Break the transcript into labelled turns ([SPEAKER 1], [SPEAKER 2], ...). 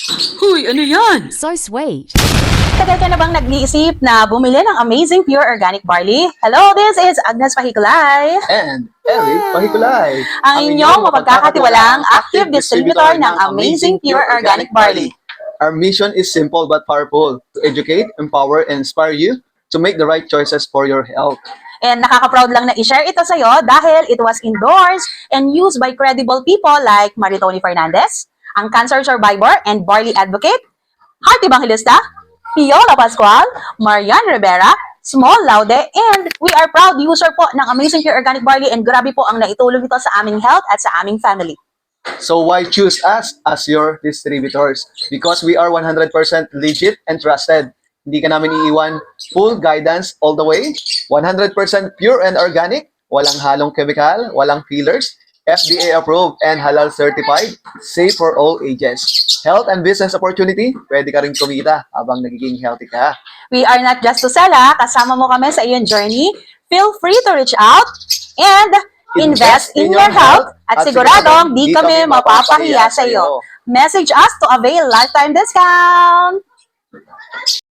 [SPEAKER 1] Huy, ano yan?
[SPEAKER 2] So sweet.
[SPEAKER 3] Tagal ka na bang nag-iisip na bumili ng amazing pure organic barley? Hello, this is Agnes Pahikulay.
[SPEAKER 4] And Eric Pahikulay,
[SPEAKER 3] Ang inyong mapagkakatiwalaang active distributor ng amazing pure organic barley.
[SPEAKER 4] Our mission is simple but powerful: to educate, empower, and inspire you to make the right choices for your health.
[SPEAKER 3] And nakaka-proud lang na i-share ito sa'yo dahil it was endorsed and used by credible people like Maritoni Fernandez, ang cancer survivor and barley advocate, Heart Evangelista, Piola Pascual, Marian Rivera, Small Laude, and we are proud user po ng amazing pure organic barley and grabe po ang naitulong ito sa aming health at sa aming family.
[SPEAKER 4] So why choose us as your distributors? Because we are 100% legit and trusted. Hindi ka namin iiwan, full guidance all the way, 100% pure and organic, walang halong chemical, walang fillers, FDA approved and halal certified, safe for all ages. Health and business opportunity, pwede ka rin kumita habang nagiging healthy ka.
[SPEAKER 3] We are not just to sell, kasama mo kami sa iyong journey. Feel free to reach out and invest in your health at siguradong di kami mapapahiya sa iyo. Message us to avail lifetime discount!